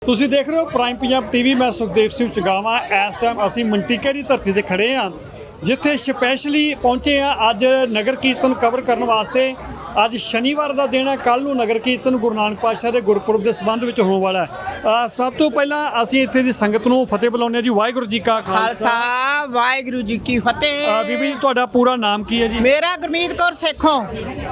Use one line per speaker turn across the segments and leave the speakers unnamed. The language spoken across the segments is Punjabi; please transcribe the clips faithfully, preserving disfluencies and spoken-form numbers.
ਤੁਸੀਂ ਦੇਖ ਰਹੇ ਹੋ ਪ੍ਰਾਈਮ ਪੰਜਾਬ ਟੀਵੀ। ਮੈਂ ਸੁਖਦੇਵ ਸਿੰਘ ਚੁਗਾਵਾ। ਇਸ ਟਾਈਮ ਅਸੀਂ ਮੰਟੀਕੇ ਦੀ ਧਰਤੀ ਤੇ ਖੜੇ ਹਾਂ, ਜਿੱਥੇ ਸਪੈਸ਼ਲੀ ਪਹੁੰਚੇ ਆ ਅੱਜ ਨਗਰ ਕੀਰਤਨ ਕਵਰ ਕਰਨ ਵਾਸਤੇ। ਅੱਜ ਸ਼ਨੀਵਾਰ ਦਾ ਦਿਨ ਹੈ, ਕੱਲ੍ਹ ਨੂੰ ਨਗਰ ਕੀਰਤਨ ਗੁਰੂ ਨਾਨਕ ਪਾਤਸ਼ਾਹ ਦੇ ਗੁਰਪੁਰਬ ਦੇ ਸੰਬੰਧ ਵਿੱਚ ਹੋਣ ਵਾਲਾ ਹੈ। ਸਭ ਤੋਂ ਪਹਿਲਾਂ ਅਸੀਂ ਇੱਥੇ ਦੀ ਸੰਗਤ ਨੂੰ ਫਤਿਹ ਬੁਲਾਉਂਦੇ ਹਾਂ ਜੀ। ਵਾਹਿਗੁਰੂ ਜੀ ਕਾ
ਖਾਲਸਾ ਵਾਹਿਗੁਰੂ ਜੀ ਕੀ ਫਤਿਹ।
ਬੀਬੀ ਜੀ, ਤੁਹਾਡਾ ਪੂਰਾ ਨਾਮ ਕੀ ਹੈ ਜੀ?
ਮੇਰਾ ਗੁਰਮੀਤ ਕੌਰ ਸੇਖੋਂ।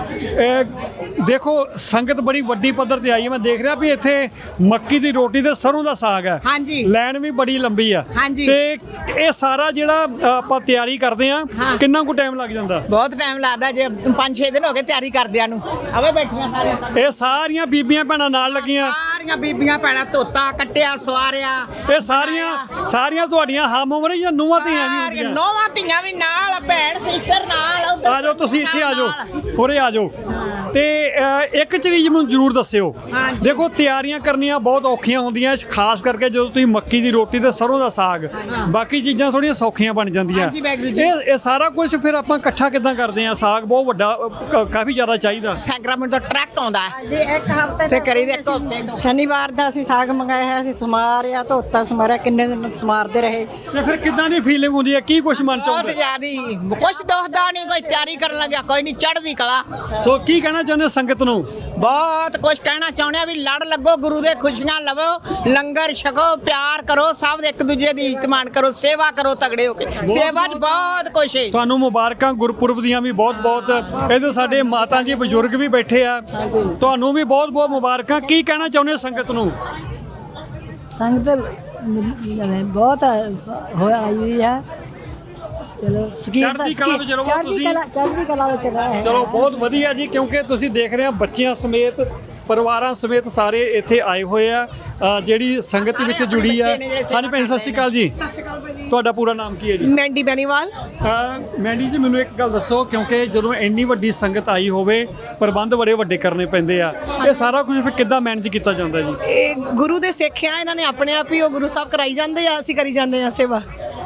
ਦੇਖੋ ਸੰਗਤ ਬੜੀ ਵੱਡੀ ਪੱਧਰ ਤੇ ਆਈ ਹੈ। ਮੈਂ ਦੇਖ ਰਿਹਾ ਵੀ ਇੱਥੇ ਮੱਕੀ ਦੀ ਰੋਟੀ ਤੇ ਸਰੋਂ ਦਾ ਸਾਗ ਹੈ।
ਹਾਂਜੀ।
ਲਾਈਨ ਵੀ ਬੜੀ ਲੰਬੀ ਆ।
ਹਾਂਜੀ।
ਤੇ ਇਹ ਸਾਰਾ ਜਿਹੜਾ ਆਪਾਂ ਤਿਆਰੀ ਕਰਦੇ ਆ, ਕਿੰਨਾ ਕੁ ਟਾਈਮ ਲੱਗ ਜਾਂਦਾ?
ਬਹੁਤ ਟਾਈਮ ਲੱਗਦਾ, ਜੇ ਪੰਜ ਛੇ ਦਿਨ ਹੋ ਗਏ ਤਿਆਰੀ ਕਰਦਿਆਂ ਨੂੰ। ਆਵੇ ਬੈਠੀਆਂ ਸਾਰੀਆਂ,
ਇਹ ਸਾਰੀਆਂ ਬੀਬੀਆਂ ਭੈਣਾਂ ਨਾਲ ਲੱਗੀਆਂ।
ਸਾਰੀਆਂ ਬੀਬੀਆਂ ਭੈਣਾਂ ਧੋਤਾ ਕੱਟਿਆ ਸਵਾਰਿਆ।
ਇਹ ਸਾਰੀਆਂ ਸਾਰੀਆਂ ਤੁਹਾਡੀਆਂ ਹਮ ਉਮਰ ਜਾਂ ਨੂੰਹਾਂ ਧੀਆਂ ਵੀ ਹੁੰਦੀਆਂ?
ਨੌਵਾਂ ਧੀਆਂ ਵੀ ਨਾਲ, ਭੈਣ ਸਿਸਟਰ ਨਾਲ। ਉੱਧਰ
ਆ ਜਾਓ ਤੁਸੀਂ ਇੱਥੇ ਆ ਜਾਓ, ਉਰੇ ਆ ਜਾਓ। ਤੇ ਇੱਕ ਚੀਜ਼ ਮੈਨੂੰ ਜ਼ਰੂਰ ਦੱਸਿਓ। ਦੇਖੋ ਤਿਆਰੀਆਂ ਕਰਨੀਆਂ ਬਹੁਤ ਔਖੀਆਂ ਹੁੰਦੀਆਂ, ਖਾਸ ਕਰਕੇ ਜਦੋਂ ਤੁਸੀਂ ਮੱਕੀ ਦੀ ਰੋਟੀ ਤੇ ਸਰੋਂ ਦਾ ਸਾਗ। ਬਾਕੀ ਚੀਜ਼ਾਂ ਥੋੜੀਆਂ ਸੌਖੀਆਂ ਬਣ ਜਾਂਦੀਆਂ। ਇਹ ਇਹ ਸਾਰਾ ਕੁਝ ਫਿਰ ਆਪਾਂ ਇਕੱਠਾ ਕਿੱਦਾਂ ਕਰਦੇ ਆ? ਸਾਗ ਬਹੁਤ ਵੱਡਾ, ਕਾਫੀ ਜ਼ਿਆਦਾ ਚਾਹੀਦਾ।
ਸੈਕਰਾਮੈਂਟ ਦਾ ਟਰੱਕ ਆਉਂਦਾ
ਜੀ ਇੱਕ ਹਫ਼ਤੇ
ਤੇ ਕਰੀ ਦੇ ਇੱਕ ਹਫ਼ਤੇ।
ਸ਼ਨੀਵਾਰ ਦਾ ਅਸੀਂ ਸਾਗ ਮੰਗਾਇਆ ਹੈ, ਅਸੀਂ ਸਮਾਰਿਆ ਧੋਤਾ ਸਮਾਰਿਆ, ਕਿੰਨੇ ਦਿਨ ਸਮਾਰਦੇ ਰਹੇ।
ਤੇ ਫਿਰ ਕਿੱਦਾਂ ਦੀ ਫੀਲਿੰਗ ਹੁੰਦੀ ਹੈ? ਕੀ ਕੁਝ ਮਨ ਚ
ਬਹੁਤ
ਆਉਂਦਾ?
ਜ਼ਿਆਦੀ ਕੁਛ ਦੋਖਦਾ ਨਹੀਂ, ਕੋਈ ਤਿਆਰੀ ਕਰਨ ਲੱਗਿਆ ਕੋਈ ਨਹੀਂ, ਚੜ੍ਹਦੀ ਕਲਾ।
ਸੋ ਕੀ ਕਹਿਣਾ ਚਾਹੁੰਦੇ ਸੰਗਤ ਨੂੰ?
ਬਹੁਤ ਕੁਝ ਕਹਿਣਾ ਚਾਹੁੰਦੇ ਆ ਵੀ ਲੜ ਲੱਗੋ, ਗੁਰੂ ਦੇ ਖੁਸ਼ੀਆਂ ਲਵੋ, ਲੰਗਰ ਛਕੋ, ਪਿਆਰ ਕਰੋ, ਸਭ ਇੱਕ ਦੂਜੇ ਦੀ ਇੱਜ਼ਤ ਮਾਣ ਕਰੋ, ਸੇਵਾ ਕਰੋ ਤਗੜੇ ਹੋ ਕੇ। ਸੇਵਾ 'ਚ ਬਹੁਤ ਕੁਛ ਹੈ।
ਤੁਹਾਨੂੰ ਮੁਬਾਰਕਾਂ ਗੁਰਪੁਰਬ ਦੀਆਂ ਵੀ ਬਹੁਤ ਬਹੁਤ। ਇਹਦੇ ਸਾਡੇ ਮਾਤਾ ਜੀ ਬਜ਼ੁਰਗ ਵੀ ਬੈਠੇ ਆ, ਤੁਹਾਨੂੰ ਵੀ ਬਹੁਤ ਬਹੁਤ ਮੁਬਾਰਕਾਂ। ਕੀ ਕਹਿਣਾ ਚਾਹੁੰਦੇ ਸੰਗਤ ਨੂੰ?
ਸੰਗਤ ਬਹੁਤ ਹੋਇਆ ਆਈ ਹੈ। ਚਲੋ
ਚੜ੍ਹਦੀ ਕਲਾ ਵਿੱਚ ਰਹੋ ਤੁਸੀਂ।
ਚੜ੍ਹਦੀ ਕਲਾ ਵਿੱਚ ਰਹੇ।
ਚਲੋ ਬਹੁਤ ਵਧੀਆ ਜੀ, ਕਿਉਂਕਿ ਤੁਸੀਂ ਦੇਖ ਰਹੇ ਆ ਬੱਚਿਆਂ ਸਮੇਤ, ਪਰਿਵਾਰਾਂ ਸਮੇਤ ਸਾਰੇ ਇੱਥੇ ਆਏ ਹੋਏ ਆ। ਜਿਹੜੀ ਸੰਗਤ ਵਿੱਚ ਜੁੜੀ ਆ। ਹਾਂਜੀ ਭੈਣ ਸਤਿ ਸ਼੍ਰੀ ਅਕਾਲ ਜੀ।
ਸਤਿ ਸ਼੍ਰੀ ਅਕਾਲ ਭਾਈ ਜੀ।
ਤੁਹਾਡਾ ਪੂਰਾ ਨਾਮ ਕੀ ਹੈ ਜੀ?
ਮੈਂਡੀ ਬੈਨੀਵਾਲ।
ਮੈਂਡੀ ਜੀ, ਮੈਨੂੰ ਇੱਕ ਗੱਲ ਦੱਸੋ, ਕਿਉਂਕਿ ਜਦੋਂ ਇੰਨੀ ਵੱਡੀ ਸੰਗਤ ਆਈ ਹੋਵੇ, ਪ੍ਰਬੰਧ ਬੜੇ ਵੱਡੇ ਕਰਨੇ ਪੈਂਦੇ ਆ, ਇਹ ਸਾਰਾ ਕੁਝ ਫਿਰ ਕਿੱਦਾਂ ਮੈਨੇਜ ਕੀਤਾ ਜਾਂਦਾ ਜੀ?
ਇਹ ਗੁਰੂ ਦੇ ਸਿੱਖ ਆ, ਇਹਨਾਂ ਨੇ ਆਪਣੇ ਆਪ ਹੀ ਉਹ ਗੁਰੂ ਸਾਹਿਬ ਕਰਾਈ ਜਾਂਦੇ ਆ, ਅਸੀਂ ਕਰੀ ਜਾਂਦੇ ਆ ਸੇਵਾ।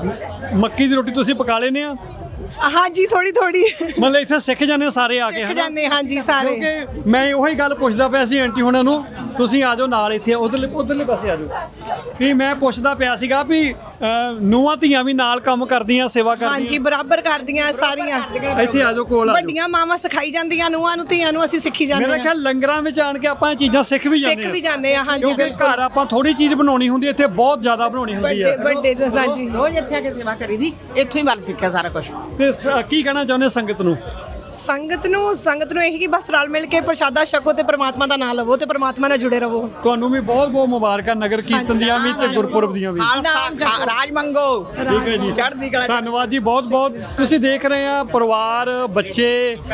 ਮੱਕੀ ਦੀ ਰੋਟੀ ਤੁਸੀਂ ਪਕਾ ਲੈਨੇ ਆ?
ਹਾਂਜੀ ਥੋੜੀ ਥੋੜੀ
ਮਤਲਬ ਇੱਥੇ ਸਿੱਖ ਜਾਂਦੇ ਸਾਰੇ ਆ ਕੇ?
ਸਿੱਖ ਜਾਂਦੇ ਹਾਂਜੀ ਸਾਰੇ।
ਕਿਉਂਕਿ ਮੈਂ ਉਹੀ ਗੱਲ ਪੁੱਛਦਾ ਪਿਆ ਸੀ ਆਂਟੀ ਹੁਣਾਂ ਨੂੰ, ਤੁਸੀਂ ਆ ਜਾਓ ਨਾਲ ਇੱਥੇ, ਉਧਰਲੇ ਉਧਰਲੇ ਪਾਸੇ ਆ ਜਾਓ। ਵੀ ਮੈਂ ਪੁੱਛਦਾ ਪਿਆ ਸੀਗਾ ਵੀ ਨੂੰਹਾਂ ਧੀਆਂ ਵੀ ਨਾਲ ਕੰਮ ਕਰਦੀਆਂ, ਸੇਵਾ ਕਰਦੀਆਂ?
ਹਾਂਜੀ ਬਰਾਬਰ ਕਰਦੀਆਂ ਸਾਰੀਆਂ।
ਇੱਥੇ ਆ ਜਾਓ, ਕੋਲ ਆ ਜਾਓ।
ਵੱਡੀਆਂ ਮਾਵਾਂ ਸਿਖਾਈ ਜਾਂਦੀਆਂ ਨੂੰਹਾਂ ਨੂੰ, ਧੀਆਂ ਨੂੰ ਅਸੀਂ ਸਿੱਖੀ ਜਾਂਦੇ
ਮੇਰਾ
ਆ।
ਖਿਆਲ ਲੰਗਰਾਂ ਵਿੱਚ ਆਣ ਕੇ ਆਪਾਂ ਇਹ ਚੀਜ਼ਾਂ ਸਿੱਖ ਵੀ ਜਾਂਦੇ ਆ।
ਸਿੱਖ ਵੀ ਜਾਂਦੇ ਆ ਹਾਂਜੀ
ਕਿਉਂਕਿ
ਬਿਲਕੁਲ।
ਘਰ ਆਪਾਂ ਥੋੜੀ ਚੀਜ਼ ਬਣਾਉਣੀ ਹੁੰਦੀ, ਇੱਥੇ ਬਹੁਤ ਜ਼ਿਆਦਾ ਬਣਾਉਣੀ ਹੁੰਦੀ
ਵੱਡੇ
ਹੈ।
ਵੱਡੇ ਹਾਂਜੀ।
ਰੋਜ਼ ਇੱਥੇ ਆ ਕੇ ਸੇਵਾ ਕਰੀਦੀ, ਇੱਥੋਂ ਹੀ ਵੱਲ ਸਿੱਖਿਆ ਸਾਰਾ ਕੁਝ।
ਤੇ ਸ- ਕੀ ਕਹਿਣਾ ਚਾਹੁੰਦੇ ਸੰਗਤ ਨੂੰ?
ਸੰਗਤ ਨੂੰ ਸੰਗਤ ਨੂੰ ਇਹੀ ਕਿ ਬਸ ਰਲ ਮਿਲ ਕੇ ਪ੍ਰਸ਼ਾਦਾ ਛਕੋ ਤੇ ਪ੍ਰਮਾਤਮਾ ਦਾ ਨਾਮ ਲਵੋ ਤੇ ਪ੍ਰਮਾਤਮਾ ਨਾਲ ਜੁੜੇ ਰਹੋ।
ਤੁਹਾਨੂੰ ਵੀ ਬਹੁਤ ਬਹੁਤ ਮੁਬਾਰਕਾਂ ਨਗਰ ਕੀਰਤਨ ਦੀਆਂ ਵੀ ਤੇ ਗੁਰਪੁਰਬ ਦੀਆਂ ਵੀ।
ਖਾਲਸਾ ਖਾ- ਰਾਜ ਮੰਗੋ।
ਠੀਕ ਹੈ ਜੀ,
ਚੜ੍ਹਦੀ ਕਲਾ।
ਧੰਨਵਾਦ ਜੀ ਬਹੁਤ ਬਹੁਤ। ਤੁਸੀਂ ਦੇਖ ਰਹੇ ਆ ਪਰਿਵਾਰ, ਬੱਚੇ।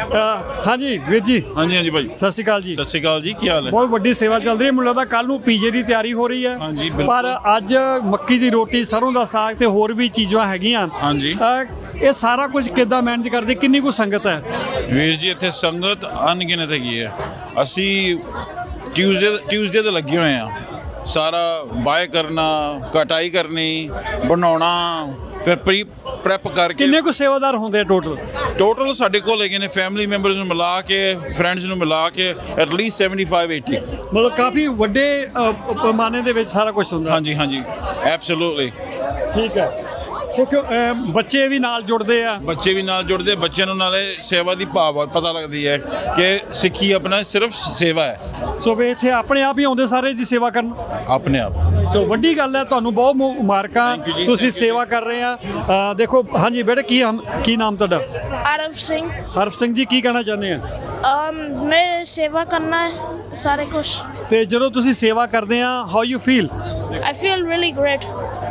ਅ, ਹਾਂਜੀ ਵੀਰ ਜੀ,
ਹਾਂਜੀ ਹਾਂਜੀ ਭਾਈ,
ਸਤਿ ਸ਼੍ਰੀ ਅਕਾਲ ਜੀ।
ਸਤਿ ਸ਼੍ਰੀ ਅਕਾਲ ਜੀ। ਕੀ ਹਾਲ ਹੈ?
ਬਹੁਤ ਵੱਡੀ ਸੇਵਾ ਚੱਲ ਰਹੀ ਹੈ। ਮੈਨੂੰ ਲੱਗਦਾ ਕੱਲ ਨੂੰ ਪੀਜੇ ਦੀ ਤਿਆਰੀ ਹੋ ਰਹੀ ਹੈ।
ਹਾਂਜੀ, ਬਿਲਕੁਲ।
ਪਰ ਅੱਜ ਮੱਕੀ ਦੀ ਰੋਟੀ, ਸਰੋਂ ਦਾ ਸਾਗ ਤੇ ਹੋਰ ਵੀ ਚੀਜ਼ਾਂ ਹੈਗੀਆਂ।
ਹਾਂਜੀ।
ਅ, ਇਹ ਸਾਰਾ ਕੁਝ ਕਿੱਦਾਂ ਮੈਨੇਜ ਕਰਦੇ? ਕਿੰਨੀ ਕੁ ਸੰਗਤ ਹੈ?
ਵੀਰ ਜੀ ਇੱਥੇ ਸੰਗਤ ਅਣਗਿਣਤ ਹੈਗੀ ਹੈ। ਅਸੀਂ ਟਿਊਜ਼ਡੇ ਟਿਊਜ਼ਡੇ ਤੇ ਲੱਗੇ ਹੋਏ ਆ। ਸਾਰਾ ਬਾਏ ਕਰਨਾ, ਕਟਾਈ ਕਰਨੀ, ਬਣਾਉਣਾ, ਫਿਰ ਪ੍ਰੀ ਪ੍ਰੈਪ ਕਰਕੇ।
ਕਿੰਨੇ ਕੁ ਸੇਵਾਦਾਰ ਹੁੰਦੇ ਆ ਟੋਟਲ?
ਟੋਟਲ ਸਾਡੇ ਕੋਲ ਹੈਗੇ ਨੇ ਫੈਮਿਲੀ ਮੈਂਬਰਸ ਨੂੰ ਮਿਲਾ ਕੇ, ਫਰੈਂਡਸ ਨੂੰ ਮਿਲਾ ਕੇ ਐਟਲੀਸਟ ਸੈਵਨਟੀ ਫਾਈਵ ਏਟੀ।
ਮਤਲਬ ਕਾਫੀ ਵੱਡੇ ਅ, ਪੈਮਾਨੇ ਦੇ ਵਿੱਚ ਸਾਰਾ ਕੁਝ ਹੁੰਦਾ।
ਹਾਂਜੀ ਹਾਂਜੀ ਐਬਸੋਲੂਟਲੀ।
ਠੀਕ ਹੈ। ਕਿਉਂਕਿ ਅ, ਬੱਚੇ ਵੀ ਨਾਲ ਜੁੜਦੇ ਆ।
ਬੱਚੇ ਵੀ ਨਾਲ ਜੁੜਦੇ, ਬੱਚਿਆਂ ਨੂੰ ਨਾਲੇ ਸੇਵਾ ਦੀ ਭਾਵ ਪਤਾ ਲੱਗਦੀ ਹੈ ਕਿ ਸਿੱਖੀ ਆਪਣਾ ਸਿਰਫ ਸੇਵਾ ਹੈ।
ਸੋ ਵੀ ਇੱਥੇ ਆਪਣੇ ਆਪ ਹੀ ਆਉਂਦੇ ਸਾਰੇ ਜੀ ਸੇਵਾ ਕਰਨ।
ਆਪਣੇ ਆਪ।
ਸੋ ਵੱਡੀ ਗੱਲ ਹੈ, ਤੁਹਾਨੂੰ ਬਹੁਤ ਮੁ- ਮੁਬਾਰਕਾਂ।
Thank you ਜੀ,
ਤੁਸੀਂ
thank you
ਸੇਵਾ ਕਰ ਰਹੇ ਆ। ਅ, ਦੇਖੋ ਹਾਂਜੀ ਬੇਟੇ, ਕੀ ਹਮ- ਕੀ ਨਾਮ ਤੁਹਾਡਾ?
आरव सिंह।
ਹਰਫ ਸਿੰਘ ਜੀ, ਕੀ ਕਹਿਣਾ ਚਾਹੁੰਦੇ ਆ?
अम, मैं सेवा करना है सारे कुछ।
ਤੇ ਜਦੋਂ ਤੁਸੀਂ ਸੇਵਾ ਕਰਦੇ ਆ, how you feel?
I feel really great.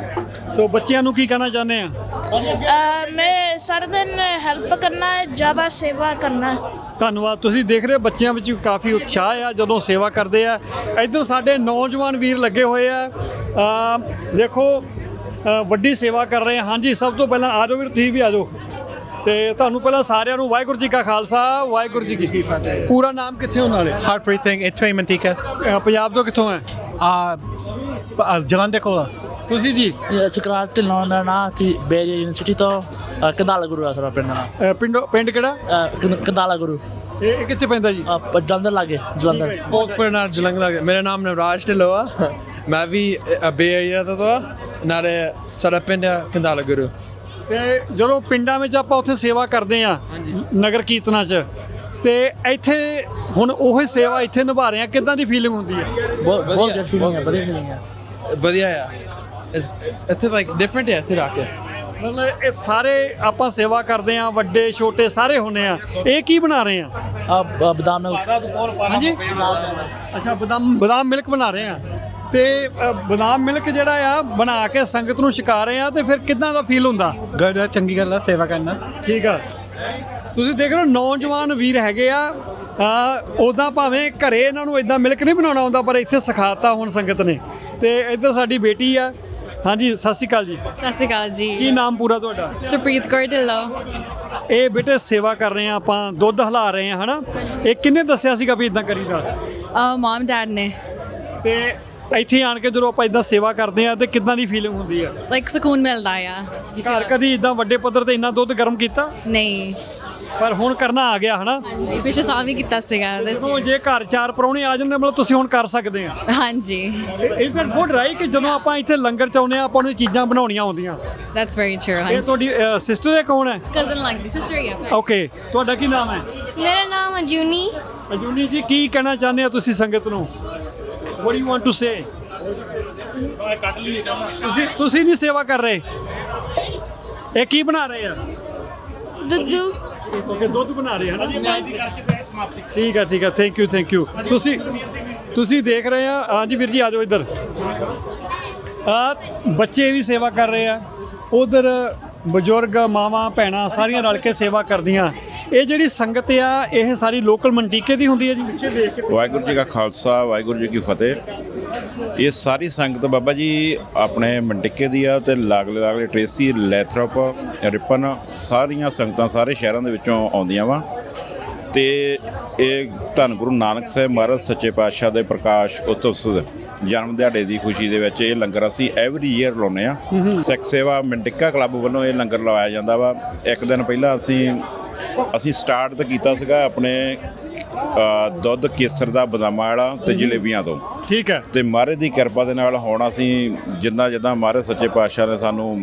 So ਬੱਚਿਆਂ ਨੂੰ ਕੀ ਕਹਿਣਾ ਚਾਹੁੰਦੇ ਆ?
मैं सारे दिन हेल्प करना है, ज़्यादा सेवा करना है।
ਧੰਨਵਾਦ। ਤੁਸੀਂ ਦੇਖ ਰਹੇ ਹੋ ਬੱਚਿਆਂ ਵਿੱਚ ਕਾਫੀ ਉਤਸ਼ਾਹ ਆ ਜਦੋਂ ਸੇਵਾ ਕਰਦੇ ਆ। ਇੱਧਰ ਸਾਡੇ ਨੌਜਵਾਨ ਵੀਰ ਲੱਗੇ ਹੋਏ ਆ। ਅ, ਦੇਖੋ ਅ, ਵੱਡੀ ਸੇਵਾ ਕਰ ਰਹੇ ਆ। ਹਾਂਜੀ, ਸਭ ਤੋਂ ਪਹਿਲਾਂ ਆ ਜਾਓ ਵੀਰ, ਤੁਸੀਂ ਵੀ ਆ ਜਾਓ। ਤੇ ਤੁਹਾਨੂੰ ਪਹਿਲਾਂ ਸਾਰਿਆਂ ਨੂੰ ਵਾਹਿਗੁਰੂ ਜੀ ਕਾ ਖਾਲਸਾ, ਵਾਹਿਗੁਰੂ ਜੀ ਕੀ ਫਤਿਹ। ਪੂਰਾ ਨਾਮ ਕਿੱਥੇ ਹੋਣ ਵਾਲੇ?
ਹਰਪ੍ਰੀਤ ਸਿੰਘ, ਇੱਥੋਂ ਹੀ ਮੰਟੀਕਾ।
ਅ, ਪੰਜਾਬ ਤੋਂ ਕਿੱਥੋਂ ਹੈ?
ਆ ਜਲੰਧਰ ਕੋਲ।
ਤੁਸੀਂ ਜੀ?
ਸਕਰਾਰ ਢਿੱਲੋਂ ਦਾ ਨਾਂ ਕਿ ਬੇਰੀ ਯੂਨੀਵਰਸਿਟੀ ਤੋਂ ਅ, ਕੰਧਾਲਾ ਗੁਰੂ ਆ ਸਾਡਾ ਪਿੰਡ ਦਾ ਨਾਂ।
ਅ, ਪਿੰਡੋਂ ਪਿੰਡ ਕਿਹੜਾ?
ਅ, ਕੰਧ- ਕੰਧਾਲਾ ਗੁਰੂ।
ਇਹ ਇਹ ਕਿੱਥੇ ਪੈਂਦਾ ਜੀ?
ਅ, ਪ- ਜਲੰਧਰ ਲਾਗੇ ਜਲੰਧਰ।
ਭੋਗਪੁਰ ਨਾਲ ਜਲੰਧਰ। ਮੇਰਾ ਨਾਮ ਨਵਰਾਜ ਢਿੱਲੋਂ ਆ।
ਮੈਂ ਵੀ ਬੇ ਏਰੀਆ ਦਾ ਤਾਂ ਨਾਲੇ ਸਾਡਾ ਪਿੰਡ ਕੰਧਾਲਾ ਗੁਰੂ।
ਤੇ ਜਦੋਂ ਪਿੰਡਾਂ ਵਿੱਚ ਆਪਾਂ ਉੱਥੇ ਸੇਵਾ ਕਰਦੇ ਆ ਨਗਰ ਕੀਰਤਨਾਂ 'ਚ, ਤੇ ਇੱਥੇ ਹੁਣ ਉਹੀ ਸੇਵਾ ਇੱਥੇ ਨਿਭਾ ਰਹੇ ਆ, ਕਿੱਦਾਂ ਦੀ ਫੀਲਿੰਗ ਹੁੰਦੀ ਹੈ?
ਬਹੁਤ ਬਹੁਤ good feeling ਹੈ, ਵਧੀਆ feeling ਹੈ।
ਵਧੀਆ ਆ। ਇਸ- ਇੱਥੇ ਲਾਈਕ ਡਿਫਰੈਂਟ ਹੈ ਇੱਥੇ ਰੱਖ ਕੇ।
ਮਤਲਬ ਇਹ ਸਾਰੇ ਆਪਾਂ ਸੇਵਾ ਕਰਦੇ ਆ, ਵੱਡੇ ਛੋਟੇ ਸਾਰੇ ਹੁੰਦੇ ਆ। ਇਹ ਕੀ ਬਣਾ ਰਹੇ ਆ?
ਆ ਬਦਾਮ ਮਿਲਕ।
ਹਾਂਜੀ, ਅੱਛਾ ਬਦਾਮ ਬਦਾਮ ਮਿਲਕ ਬਣਾ ਰਹੇ ਆ। ਤੇ ਅ, ਬਦਾਮ ਮਿਲਕ ਜਿਹੜਾ ਆ ਬਣਾ ਕੇ ਸੰਗਤ ਨੂੰ ਛਕਾ ਰਹੇ ਆ, ਤੇ ਫਿਰ ਕਿੱਦਾਂ ਦਾ ਫੀਲ ਹੁੰਦਾ?
ਗੁੱਡ, ਚੰਗੀ ਗੱਲ ਆ ਸੇਵਾ ਕਰਨਾ।
ਠੀਕ ਆ, ਤੁਸੀਂ ਦੇਖ ਰਹੇ ਹੋ ਨੌਜਵਾਨ ਵੀਰ ਹੈਗੇ ਆ। ਉੱਦਾਂ ਭਾਵੇਂ ਘਰੇ ਇਹਨਾਂ ਨੂੰ ਇਦਾਂ ਮਿਲਕ ਨਹੀਂ ਬਣਾਉਣਾ ਆਉਂਦਾ, ਪਰ ਇੱਥੇ ਸਿਖਾਤਾ ਹੁਣ ਸੰਗਤ ਨੇ। ਤੇ ਇੱਧਰ ਸਾਡੀ ਬੇਟੀ ਆ। ਹਾਂਜੀ, ਸਤਿ ਸ਼੍ਰੀ ਅਕਾਲ ਜੀ।
ਸਤਿ ਸ਼੍ਰੀ ਅਕਾਲ
ਕੀ
ਜੀ।
ਨਾਮ ਪੂਰਾ ਤੁਹਾਡਾ?
ਸੁਪ੍ਰੀਤ ਕੌਰ ਢਿੱਲੋਂ।
ਇਹ ਬੇਟੇ ਸੇਵਾ ਕਰ ਰਹੇ ਆ, ਆਪਾਂ ਦੁੱਧ ਹਲਾ ਰਹੇ ਆ, ਹਨਾ? ਇਹ ਕਿੰਨੇ ਦੱਸਿਆ ਸੀਗਾ ਵੀ ਇਦਾਂ ਕਰੀਦਾ?
ਮਮ ਡੈਡ ਨੇ।
ਤੇ ਇੱਥੇ ਆਣ ਕੇ ਜਦੋਂ ਆਪਾਂ ਇਦਾਂ ਸੇਵਾ ਕਰਦੇ ਆ, ਤੇ ਕਿੱਦਾਂ ਦੀ ਫੀਲਿੰਗ ਹੁੰਦੀ ਆ?
ਲਾਈਕ ਸਕੂਨ ਮਿਲਦਾ ਆ।
ਘਰ ਕਦੀ ਇਦਾਂ ਵੱਡੇ ਪੱਧਰ ਤੇ ਇੰਨਾ ਦੁੱਧ ਗਰਮ ਕੀਤਾ?
ਨਹੀਂ।
ਪਰ ਹੁਣ ਕਰਨਾ ਆ ਗਿਆ, ਹਨਾ?
ਹਾਂਜੀ, ਪਿਛਲੇ ਸਾਲ ਵੀ ਕੀਤਾ ਸੀਗਾ this
ਜਦੋਂ
year।
ਜੇ ਘਰ ਚਾਰ ਪਰੌਣੇ ਆ ਜਾਂਦੇ, ਮਤਲਬ ਤੁਸੀਂ ਹੁਣ ਕਰ ਸਕਦੇ ਆ।
ਹਾਂਜੀ,
ਇਸ ਦੈਟ ਗੁੱਡ ਰਾਈਟ ਕਿ ਜਦੋਂ ਆਪਾਂ ਇੱਥੇ ਲੰਗਰ ਚਾਉਂਦੇ ਆ, ਆਪਾਂ ਨੂੰ ਇਹ ਚੀਜ਼ਾਂ ਬਣਾਉਣੀਆਂ ਆਉਂਦੀਆਂ।
that's very true।
ਇਹ
ਹਾਂਜੀ,
ਤੁਹਾਡੀ ਸਿਸਟਰ ਹੈ? ਕੌਣ ਹੈ?
ਕਜ਼ਨ ਲੱਗਦੀ ਸਿਸਟਰ ਹੀ ਆ।
ਓਕੇ, ਤੁਹਾਡਾ ਕੀ ਨਾਮ ਹੈ?
ਮੇਰਾ ਨਾਮ ਅਜੂਨੀ।
ਅਜੂਨੀ ਜੀ, ਕੀ ਕਹਿਣਾ ਚਾਹੁੰਦੇ ਆ ਤੁਸੀਂ ਸੰਗਤ ਨੂੰ? What do you want to say? ਤੁਸੀਂ ਤੁਸੀਂ ਨਹੀਂ ਸੇਵਾ ਕਰ ਰਹੇ? ਇਹ ਕੀ ਬਣਾ ਰਹੇ ਆ?
ਦੁੱਧੂ।
ਓਕੇ, ਦੁੱਧ ਬਣਾ ਰਹੇ ਹਨ ਜੀ। ਠੀਕ ਹੈ, ਠੀਕ ਹੈ, ਥੈਂਕ ਯੂ, ਥੈਂਕ ਯੂ। ਤੁਸੀਂ ਤੁਸੀਂ ਦੇਖ ਰਹੇ ਆ। ਹਾਂਜੀ ਵੀਰ ਜੀ, ਆ ਜਾਓ ਇੱਧਰ। ਆ ਬੱਚੇ ਵੀ ਸੇਵਾ ਕਰ ਰਹੇ ਆ, ਉਧਰ ਬਜ਼ੁਰਗ ਮਾਵਾਂ ਭੈਣਾਂ ਸਾਰੀਆਂ ਰਲ ਕੇ ਸੇਵਾ ਕਰਦੀਆਂ। ਇਹ ਜਿਹੜੀ ਸੰਗਤ ਆ, ਇਹ ਸਾਰੀ ਲੋਕਲ ਮੰਟੀਕੇ ਦੀ ਹੁੰਦੀ ਹੈ ਜੀ?
ਵਾਹਿਗੁਰੂ ਜੀ ਕਾ ਖਾਲਸਾ, ਵਾਹਿਗੁਰੂ ਜੀ ਕੀ ਫਤਿਹ। ਇਹ ਸਾਰੀ ਸੰਗਤ ਬਾਬਾ ਜੀ ਆਪਣੇ ਮੰਟਿੱਕੇ ਦੀ ਆ, ਤੇ ਲਾਗਲੇ ਲਾਗਲੇ ਟ੍ਰੇਸੀ, ਲੈਥਰੋਪ, ਰਿਪਨ, ਸਾਰੀਆਂ ਸੰਗਤਾਂ ਸਾਰੇ ਸ਼ਹਿਰਾਂ ਦੇ ਵਿੱਚੋਂ ਆਉਂਦੀਆਂ ਵਾ। ਤੇ ਇਹ ਧੰਨ ਗੁਰੂ ਨਾਨਕ ਸਾਹਿਬ ਮਹਾਰਾਜ ਸੱਚੇ ਪਾਤਸ਼ਾਹ ਦੇ ਪ੍ਰਕਾਸ਼ ਉਤਸਵ ਜਨਮ ਦਿਹਾੜੇ ਦੀ ਖੁਸ਼ੀ ਦੇ ਵਿੱਚ ਇਹ ਲੰਗਰ ਅਸੀਂ ਐਵਰੀ ਈਅਰ ਲਾਉਂਦੇ ਆ। ਸਿੱਖ ਸੇਵਾ ਮੰਟਿੱਕਾ ਕਲੱਬ ਵੱਲੋਂ ਇਹ ਲੰਗਰ ਲਵਾਇਆ ਜਾਂਦਾ ਵਾ। ਇੱਕ ਦਿਨ ਪਹਿਲਾਂ ਅਸੀਂ ਅਸੀਂ ਸਟਾਰਟ ਤਾਂ ਕੀਤਾ ਸੀਗਾ ਆਪਣੇ ਅ, ਦੁੱਧ ਕੇਸਰ ਦਾ, ਬਦਾਮਾਂ ਵਾਲਾ ਤੇ ਜਲੇਬੀਆਂ ਤੋਂ।
ਠੀਕ ਹੈ।
ਤੇ ਮਹਾਰਾਜ ਦੀ ਕਿਰਪਾ ਦੇ ਨਾਲ ਹੁਣ ਅਸੀਂ ਜਿੱਦਾਂ ਜਿੱਦਾਂ ਮਹਾਰਾਜ ਸੱਚੇ ਪਾਤਸ਼ਾਹ ਨੇ ਸਾਨੂੰ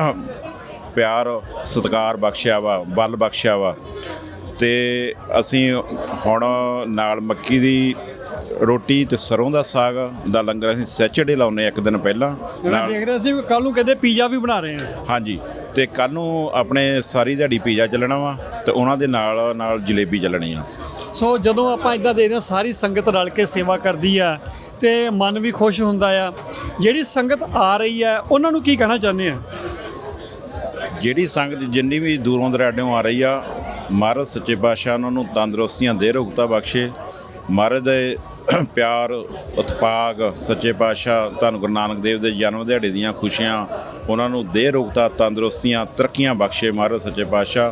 ਪਿਆਰ ਸਤਿਕਾਰ ਬਖਸ਼ਿਆ ਵਾ, ਬਲ ਬਖਸ਼ਿਆ ਵਾ, ਤੇ ਅਸੀਂ ਹੁਣ ਨਾਲ ਮੱਕੀ ਦੀ ਰੋਟੀ ਤੇ ਸਰੋਂ ਦਾ ਸਾਗ ਦਾ ਲੰਗਰ ਅਸੀਂ ਸੈਚਰਡੇ ਲਾਉਂਦੇ ਇੱਕ ਦਿਨ ਪਹਿਲਾਂ।
ਮੈਂ ਦੇਖ ਰਿਹਾ ਸੀ ਕੱਲ ਨੂੰ ਕਹਿੰਦੇ ਪੀਜ਼ਾ ਵੀ ਬਣਾ ਰਹੇ ਆ।
ਹਾਂਜੀ, ਤੇ ਕੱਲ ਨੂੰ ਆਪਣੇ ਸਾਰੀ ਦਿਹਾੜੀ ਪੀਜ਼ਾ ਚੱਲਣਾ ਵਾ, ਤੇ ਉਹਨਾਂ ਦੇ ਨਾਲ ਨਾਲ ਜਲੇਬੀ ਚੱਲਣੀ ਆ।
ਸੋ ਜਦੋਂ ਆਪਾਂ ਇਦਾਂ ਦੇਖਦੇ ਹਾਂ ਸਾਰੀ ਸੰਗਤ ਰਲ ਕੇ ਸੇਵਾ ਕਰਦੀ ਆ, ਤੇ ਮਨ ਵੀ ਖੁਸ਼ ਹੁੰਦਾ ਆ। ਜਿਹੜੀ ਸੰਗਤ ਆ ਰਹੀ ਆ, ਉਹਨਾਂ ਨੂੰ ਕੀ ਕਹਿਣਾ ਚਾਹੁੰਦੇ ਆ?
ਜਿਹੜੀ ਸੰਗਤ ਜਿੰਨੀ ਵੀ ਦੂਰੋਂ ਦਰਾਡਿਓਂ ਆ ਰਹੀ ਆ, ਮਹਾਰਾਜ ਸੱਚੇ ਪਾਤਸ਼ਾਹ ਉਹਨਾਂ ਨੂੰ ਤੰਦਰੁਸਤੀਆਂ ਦੇ, ਰੁਗਤਾ ਬਖਸ਼ੇ। ਮਹਾਰਾਜ ਦੇ ਪਿਆਰ ਉਤਪਾਗ ਸੱਚੇ ਪਾਤਸ਼ਾਹ ਧੰਨ ਗੁਰੂ ਨਾਨਕ ਦੇਵ ਦੇ ਜਨਮ ਦਿਹਾੜੇ ਦੀਆਂ ਖੁਸ਼ੀਆਂ ਉਹਨਾਂ ਨੂੰ ਦੇ, ਰੁਗਤਾ, ਤੰਦਰੁਸਤੀਆਂ, ਤਰੱਕੀਆਂ ਬਖਸ਼ੇ ਮਹਾਰਾਜ ਸੱਚੇ ਪਾਤਸ਼ਾਹ।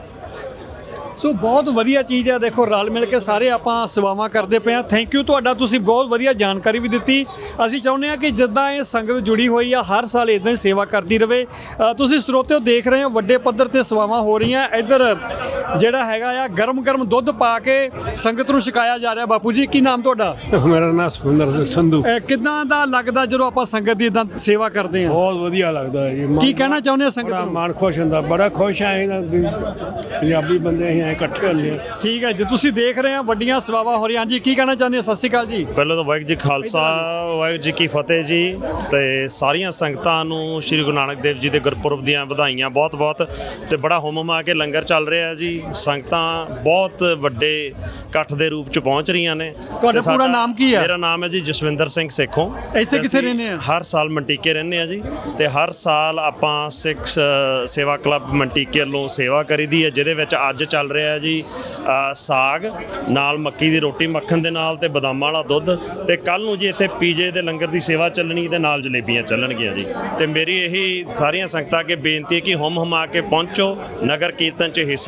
ਸੋ ਬਹੁਤ ਵਧੀਆ ਚੀਜ਼ ਹੈ। ਦੇਖੋ, ਰਲ ਮਿਲ ਕੇ ਸਾਰੇ ਆਪਾਂ ਸੇਵਾਵਾਂ ਕਰਦੇ ਪਏ ਆ। ਥੈਂਕ ਯੂ ਤੁਹਾਡਾ, ਤੁਸੀਂ ਬਹੁਤ ਵਧੀਆ ਜਾਣਕਾਰੀ ਵੀ ਦਿੱਤੀ। ਅਸੀਂ ਚਾਹੁੰਦੇ ਹਾਂ ਕਿ ਜਿੱਦਾਂ ਇਹ ਸੰਗਤ ਜੁੜੀ ਹੋਈ ਆ, ਹਰ ਸਾਲ ਇਦਾਂ ਹੀ ਸੇਵਾ ਕਰਦੀ ਰਹੇ। ਅ, ਤੁਸੀਂ ਸਰੋਤਿਓ ਦੇਖ ਰਹੇ ਹੋ ਵੱਡੇ ਪੱਧਰ ਤੇ ਸੇਵਾਵਾਂ ਹੋ ਰਹੀਆਂ। ਇੱਧਰ ਜਿਹੜਾ ਹੈਗਾ ਆ ਗਰਮ ਗਰਮ ਦੁੱਧ ਪਾ ਕੇ ਸੰਗਤ ਨੂੰ ਛਕਾਇਆ ਜਾ ਰਿਹਾ। ਬਾਪੂ ਜੀ, ਕੀ ਨਾਮ ਤੁਹਾਡਾ?
ਮੇਰਾ ਨਾਮ ਸੁਖਿੰਦਰ ਸਿੰਘ ਸੰਧੂ।
ਅ, ਕਿੱਦਾਂ ਦਾ ਲੱਗਦਾ ਜਦੋਂ ਆਪਾਂ ਸੰਗਤ ਦੀ ਇਦਾਂ ਸੇਵਾ ਕਰਦੇ ਹਾਂ?
ਬਹੁਤ ਵਧੀਆ ਲੱਗਦਾ ਹੈ ਜੀ।
ਕੀ ਕਹਿਣਾ ਚਾਹੁੰਦੇ ਆ ਸੰਗਤ
ਬੜਾ
ਨੂੰ?
ਮਨ ਖੁਸ਼ ਹੁੰਦਾ, ਬੜਾ ਖੁਸ਼ ਆ ਇਹਨਾਂ ਦੀ ਪੰਜਾਬੀ ਬੰਦੇ ਅਸੀਂ ਐਂ ਇਕੱਠੇ ਹੁੰਦੇ ਹਾਂ।
ਠੀਕ ਹੈ ਜੀ, ਤੁਸੀਂ ਦੇਖ ਰਹੇ ਆ ਵੱਡੀਆਂ ਸੇਵਾਵਾਂ ਹੋ ਰਹੀਆਂ। ਹਾਂਜੀ, ਕੀ ਕਹਿਣਾ ਚਾਹੁੰਦੇ ਆ? ਸਤਿ ਸ਼੍ਰੀ ਅਕਾਲ ਜੀ।
ਪਹਿਲਾਂ ਤਾਂ ਵਾਹਿਗੁਰੂ ਜੀ ਖਾਲਸਾ, ਵਾਹਿਗੁਰੂ ਜੀ ਕੀ ਫਤਿਹ ਜੀ। ਤੇ ਸਾਰੀਆਂ ਸੰਗਤਾਂ ਨੂੰ ਸ਼੍ਰੀ ਗੁਰੂ ਨਾਨਕ ਦੇਵ ਜੀ ਦੇ ਗੁਰਪੁਰਬ ਦੀਆਂ ਵਧਾਈਆਂ ਬਹੁਤ ਬਹੁਤ। ਤੇ ਬੜਾ ਹੁਮ ਹੁਮਾ ਕੇ ਲੰਗਰ ਚੱਲ ਰਿਹਾ ਜੀ। ਸੰਗਤਾਂ ਬਹੁਤ ਵੱਡੇ ਇਕੱਠ ਦੇ ਰੂਪ ਚ ਪਹੁੰਚ ਰਹੀਆਂ ਨੇ।
ਤੁਹਾਡਾ
ਤੇ ਸਾਡਾ-
ਪੂਰਾ ਨਾਮ ਕੀ ਹੈ?
ਮੇਰਾ ਨਾਮ ਹੈ ਜੀ ਜਸਵਿੰਦਰ ਸਿੰਘ ਸੇਖੋਂ।
ਇੱਥੇ
ਤੇ
ਕਿੱਥੇ
ਅਸੀਂ
ਰਹਿੰਦੇ ਆ?
ਹਰ ਸਾਲ ਮੰਟੀਕੇ ਰਹਿੰਦੇ ਆ ਜੀ। ਤੇ ਹਰ ਸਾਲ ਆਪਾਂ ਸਿੱਖ ਸ- ਸੇਵਾ ਕਲੱਬ ਮੰਟੀਕੇ ਵੱਲੋਂ ਸੇਵਾ ਕਰੀਦੀ ਹੈ, ਜਿਹਦੇ ਵਿੱਚ ਅੱਜ ਚੱਲ ਰਿਹਾ ਜੀ ਅ, ਸਾਗ ਨਾਲ ਮੱਕੀ ਦੀ ਰੋਟੀ ਮੱਖਣ ਦੇ ਨਾਲ, ਤੇ ਬਦਾਮਾਂ ਵਾਲਾ ਦੁੱਧ। ਤੇ ਕੱਲ ਨੂੰ ਜੀ ਇੱਥੇ ਪੀਜੇ ਦੇ ਲੰਗਰ ਦੀ ਸੇਵਾ ਚੱਲਣੀ, ਤੇ ਨਾਲ ਜਲੇਬੀਆਂ ਚੱਲਣਗੀਆਂ ਜੀ। ਤੇ ਮੇਰੀ ਇਹੀ ਸਾਰੀਆਂ ਸੰਗਤਾਂ ਅੱਗੇ ਬੇਨਤੀ ਹੈ ਕਿ ਹੁਮ ਹੁਮਾ ਕੇ ਪਹੁੰਚੋ, ਨਗਰ ਕੀਰਤਨ 'ਚ ਹਿੱਸਾ ਲਓ,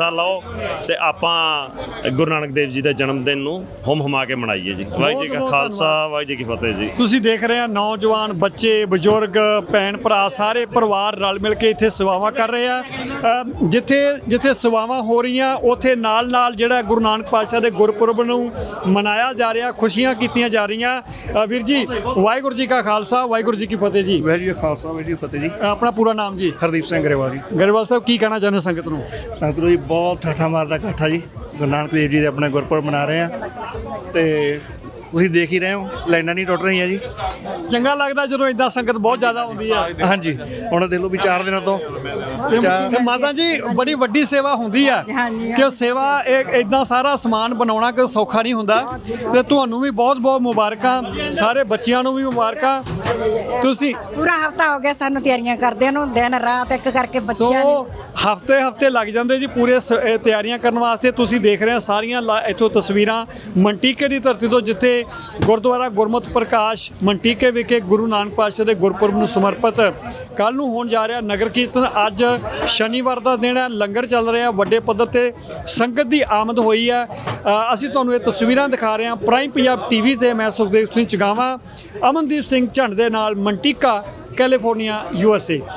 ਤੇ ਆਪਾਂ ਗੁਰੂ ਨਾਨਕ ਦੇਵ ਜੀ ਦੇ ਜਨਮ ਦਿਨ ਨੂੰ ਹੁਮ ਹੁਮਾ ਕੇ ਮਨਾਈਏ ਜੀ। ਵਾਹਿਗੁਰੂ ਜੀ ਕਾ
ਬਹੁਤ
ਖਾਲਸਾ, ਵਾਹਿਗੁਰੂ ਜੀ ਕੀ ਫਤਿਹ ਜੀ।
ਤੁਸੀਂ ਦੇਖ ਰਹੇ ਆ ਨੌਜਵਾਨ ਬੱਚੇ ਬਜ਼ੁਰਗ ਭੈਣ ਭਰਾ ਸਾਰੇ ਪਰਿਵਾਰ ਰਲ ਮਿਲ ਕੇ ਇੱਥੇ ਸੇਵਾਵਾਂ ਕਰ ਰਹੇ ਆ। ਅ, ਜਿੱਥੇ ਜਿੱਥੇ ਸੇਵਾਵਾਂ ਹੋ ਰਹੀਆਂ ਉੱਥੇ ਨਾਲ ਨਾਲ ਜਿਹੜਾ ਗੁਰੂ ਨਾਨਕ ਪਾਤਸ਼ਾਹ ਦੇ ਗੁਰਪੁਰਬ ਨੂੰ ਮਨਾਇਆ ਜਾ ਰਿਹਾ, ਖੁਸ਼ੀਆਂ ਕੀਤੀਆਂ ਜਾ ਰਹੀਆਂ। ਅ, ਵੀਰ ਜੀ ਵਾਹਿਗੁਰੂ ਜੀ ਕਾ ਖਾਲਸਾ, ਵਾਹਿਗੁਰੂ ਜੀ ਕੀ ਫਤਿਹ ਜੀ।
ਵਾਹਿਗੁਰੂ ਜੀ ਕਾ ਖਾਲਸਾ, ਵਾਹਿਗੁਰੂ ਜੀ ਕੀ ਫਤਿਹ ਜੀ।
ਆਪਣਾ ਪੂਰਾ ਨਾਮ ਜੀ?
ਹਰਦੀਪ ਸਿੰਘ ਗਰੇਵਾਲ ਜੀ।
ਗਰੇਵਾਲ ਸਾਹਿਬ ਕੀ ਕਹਿਣਾ ਚਾਹੁੰਦੇ ਸੰਗਤ ਨੂੰ?
ਸੰਗਤ ਨੂੰ ਜੀ ਬਹੁਤ ਠਾਠਾ ਮਾਰਦਾ ਇਕੱਠਾ ਜੀ, ਗੁਰੂ ਨਾਨਕ ਦੇਵ ਜੀ ਦੇ ਆਪਣੇ ਗੁਰਪੁਰਬ ਮਨਾ ਰਹੇ ਆ ਤੇ ਤੁਸੀਂ ਦੇਖ ਹੀ ਰਹੇ ਹੋ ਲਾਈਨਾਂ ਨਹੀਂ ਟੁੱਟ ਰਹੀਆਂ ਜੀ।
ਚੰਗਾ ਲੱਗਦਾ ਜਦੋਂ ਇਦਾਂ ਸੰਗਤ ਬਹੁਤ ਜ਼ਿਆਦਾ ਹੁੰਦੀ ਆ।
ਹਾਂਜੀ, ਹੁਣ ਦੇਖ ਲਓ ਵੀ ਚਾਰ ਦਿਨਾਂ ਤੋਂ
ਤੇ ਤੇ ਮਾਤਾ ਜੀ ਬੜੀ ਵੱਡੀ ਸੇਵਾ ਹੁੰਦੀ ਆ ਕਿ ਉਹ ਸੇਵਾ ਇਹ ਇਦਾਂ ਸਾਰਾ ਸਮਾਨ ਬਣਾਉਣਾ ਕਿ ਸੌਖਾ ਨਹੀਂ ਹੁੰਦਾ। ਤੇ ਤੁਹਾਨੂੰ ਵੀ ਬਹੁਤ ਬਹੁਤ ਮੁਬਾਰਕਾਂ, ਸਾਰੇ ਬੱਚਿਆਂ ਨੂੰ ਵੀ ਮੁਬਾਰਕਾਂ। ਤੁਸੀਂ
ਪੂਰਾ ਹਫਤਾ ਹੋ ਗਿਆ ਸਾਨੂੰ ਤਿਆਰੀਆਂ ਕਰਦਿਆਂ ਨੂੰ, ਦਿਨ ਰਾਤ ਇੱਕ ਕਰਕੇ ਬੱਚਿਆਂ
ਸੋ ਹਫਤੇ ਹਫਤੇ ਲੱਗ ਜਾਂਦੇ ਜੀ ਪੂਰੇ ਸ- ਇਹ ਤਿਆਰੀਆਂ ਕਰਨ ਵਾਸਤੇ। ਤੁਸੀਂ ਦੇਖ ਰਹੇ ਹੋ ਸਾਰੀਆਂ ਲਾ- ਇੱਥੋਂ ਤਸਵੀਰਾਂ ਮੰਟੀਕੇ ਦੀ ਧਰਤੀ ਤੋਂ, ਜਿੱਥੇ ਗੁਰਦੁਆਰਾ ਗੁਰਮਤਿ ਪ੍ਰਕਾਸ਼ ਮੰਟੀਕੇ ਵਿਖੇ ਗੁਰੂ ਨਾਨਕ ਪਾਤਸ਼ਾਹ ਦੇ ਗੁਰਪੁਰਬ ਨੂੰ ਸਮਰਪਿਤ ਕੱਲ ਨੂੰ ਹੋਣ ਜਾ ਰਿਹਾ ਨਗਰ ਕੀਰਤਨ। ਅੱਜ ਸ਼ਨੀਵਾਰ ਦਾ ਦਿਨ ਹੈ, ਲੰਗਰ ਚੱਲ ਰਿਹਾ, ਵੱਡੇ ਪੱਧਰ ਤੇ ਸੰਗਤ ਦੀ ਆਮਦ ਹੋਈ ਹੈ। ਅ, ਅਸੀਂ ਤੁਹਾਨੂੰ ਇਹ ਤਸਵੀਰਾਂ ਦਿਖਾ ਰਹੇ ਹਾਂ ਪ੍ਰਾਈਮ ਪੰਜਾਬ ਟੀਵੀ ਤੇ। ਮੈਂ ਸੁਖਦੇਵ ਸਿੰਘ ਚਗਾਵਾਂ, ਅਮਨਦੀਪ ਸਿੰਘ ਝੰਡ ਦੇ ਨਾਲ ਮੰਟੀਕਾ, ਕੈਲੀਫੋਰਨੀਆ, ਯੂ ਐਸ ਏ।